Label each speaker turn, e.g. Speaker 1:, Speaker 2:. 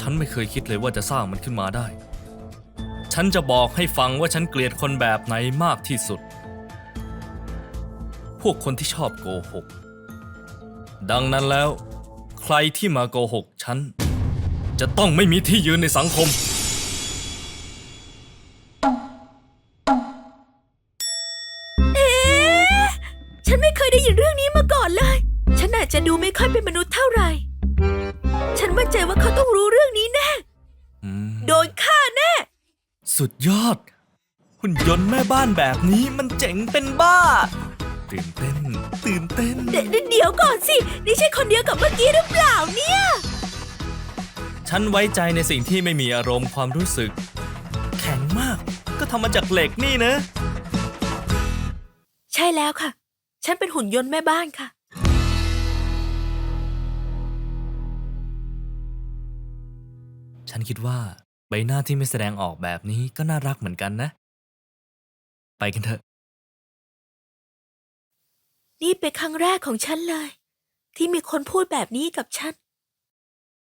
Speaker 1: ฉันไม่เคยคิดเลยว่าจะสร้างมันขึ้นมาได้ฉันจะบอกให้ฟังว่าฉันเกลียดคนแบบไหนมากที่สุดพวกคนที่ชอบโกหกดังนั้นแล้วใครที่มาโกหกฉันจะต้องไม่มีที่ยืนในสังคม
Speaker 2: ฉันไม่เคยได้ยินเรื่องนี้มาก่อนเลยฉันอาจจะดูไม่ค่อยเป็นมนุษย์เท่าไหร่ฉันมั่นใจว่าเขาต้องรู้เรื่องนี้แน่โดนฆ่าแน่
Speaker 1: สุดยอดหุ่นยนต์แม่บ้านแบบนี้มันเจ๋งเป็นบ้าตื่นเต้น
Speaker 2: เดี๋ยวก่อนสินี่ใช่คนเดียวกับเมื่อกี้หรือเปล่าเนี่ย
Speaker 1: ฉันไว้ใจในสิ่งที่ไม่มีอารมณ์ความรู้สึกแข็งมากก็ทำมาจากเหล็กนี่นะ
Speaker 2: ใช่แล้วค่ะฉันเป็นหุ่นยนต์แม่บ้านค่ะ
Speaker 1: ฉันคิดว่าใบหน้าที่ไม่แสดงออกแบบนี้ก็น่ารักเหมือนกันนะไปกันเถอะ
Speaker 2: นี่เป็นครั้งแรกของฉันเลยที่มีคนพูดแบบนี้กับฉัน